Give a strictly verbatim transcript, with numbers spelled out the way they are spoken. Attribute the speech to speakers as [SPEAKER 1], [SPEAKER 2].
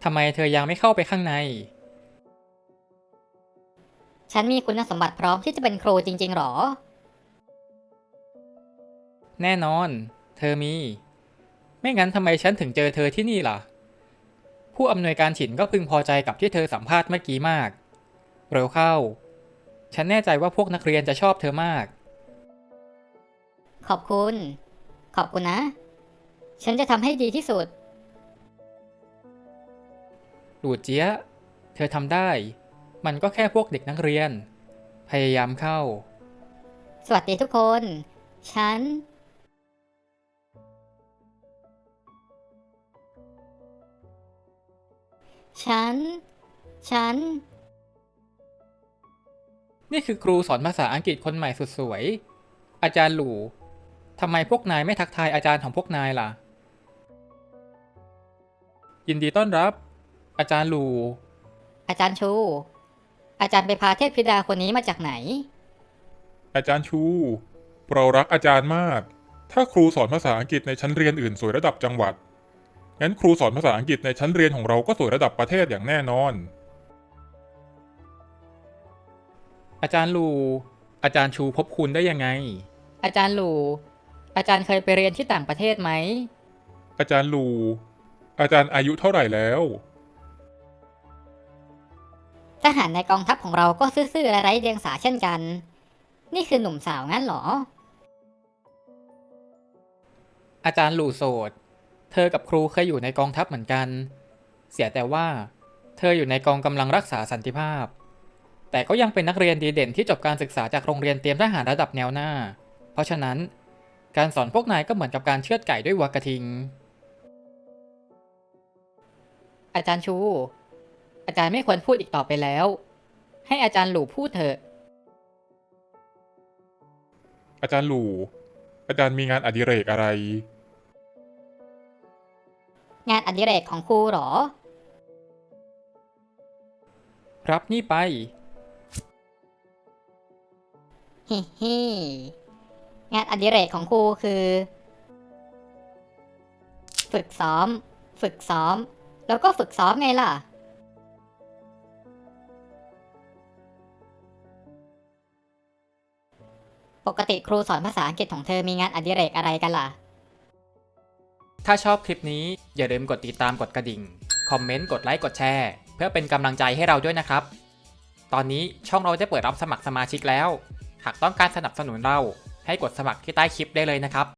[SPEAKER 1] ทำไมเธอยังไม่เข้าไปข้างใน
[SPEAKER 2] ฉันมีคุณสมบัติพร้อมที่จะเป็นครูจริงๆหรอ
[SPEAKER 1] แน่นอน เธอมี ไม่งั้นทำไมฉันถึงเจอเธอที่นี่ล่ะ ผู้อำนวยการฉินก็พึงพอใจกับที่เธอสัมภาษณ์เมื่อกี้มาก เร็วเข้า ฉันแน่ใจว่าพวกนักเรียนจะชอบเธอมาก
[SPEAKER 2] ขอบคุณ ขอบคุณนะ ฉันจะทำให้ดีที่สุด
[SPEAKER 1] หลูเจี๊ยะ เธอทำได้ มันก็แค่พวกเด็กนักเรียน พยายามเข้า
[SPEAKER 2] สวัสดีทุกคน ฉัน ฉัน ฉัน
[SPEAKER 1] นี่คือครูสอนภาษาอังกฤษคนใหม่สุดสวย อาจารย์หลู่ทำไมพวกนายไม่ทักทายอาจารย์ของพวกนายล่ะ ยินดีต้อนรับ อาจารย์หลู่
[SPEAKER 2] อาจารย์ชู อาจารย์ไปพาเทพธิดาคนนี้มาจากไหน
[SPEAKER 3] อาจารย์ชู เรารักอาจารย์มาก ถ้าครูสอนภาษาอังกฤษในชั้นเรียนอื่นสวยระดับจังหวัด งั้นครูสอนภาษาอังกฤษในชั้นเรียนของเราก็สวยระดับประเทศอย่างแน่นอน
[SPEAKER 1] อาจารย์หลู่อาจารย์ชูพบคุณได้ยังไง
[SPEAKER 2] อาจารย์หลู อาจารย์เคยไปเรียนที่ต่างประเทศไหม
[SPEAKER 3] อาจารย์ลู อาจารย์อายุเท่าไหร่แล้ว
[SPEAKER 2] ทหารในกองทัพของเราก็ซื่อๆและไร้เดียงสาเช่นกัน นี่คือหนุ่มสาวงั้นเหรอ
[SPEAKER 1] อาจารย์หลู่โสด เธอกับครูเคยอยู่ในกองทัพเหมือนกัน เสียแต่ว่า เธออยู่ในกองกำลังรักษาสันติภาพ แต่ก็ยังเป็นนักเรียนดีเด่นที่จบการศึกษาจากโรงเรียนเตรียมทหารระดับแนวหน้า เพราะฉะนั้น การสอนพวกนายก็เหมือนกับการเชือดไก่ด้วยวัวกระทิง
[SPEAKER 2] อาจารย์ชู อาจารย์ไม่ควรพูดอีกต่อไปแล้ว ให้อาจารย์หลูพูดเถอะ
[SPEAKER 3] อาจารย์ลู อาจารย์มีงานอดิเรกอะไร
[SPEAKER 2] งานอดิเรกของครูเหรอ
[SPEAKER 1] รับนี่ไป
[SPEAKER 2] ฮิฮิงานอดิเรกของครูคือ ฝึกซ้อม ฝึกซ้อม แล้วก็ฝึกซ้อมไงล่ะ ปกติครูสอนภาษาอังกฤษของเธอมีงานอดิเรกอะไรกันล่ะ
[SPEAKER 1] ถ้าชอบคลิปนี้อย่าลืมกดติดตามกดกระดิ่ง คอมเมนต์ กดไลค์ กดแชร์ เพื่อเป็นกำลังใจให้เราด้วยนะครับ ตอนนี้ช่องเราได้เปิดรับสมัครสมาชิกแล้ว หากต้องการสนับสนุนเราให้กดสมัครที่ใต้คลิปได้เลยนะครับ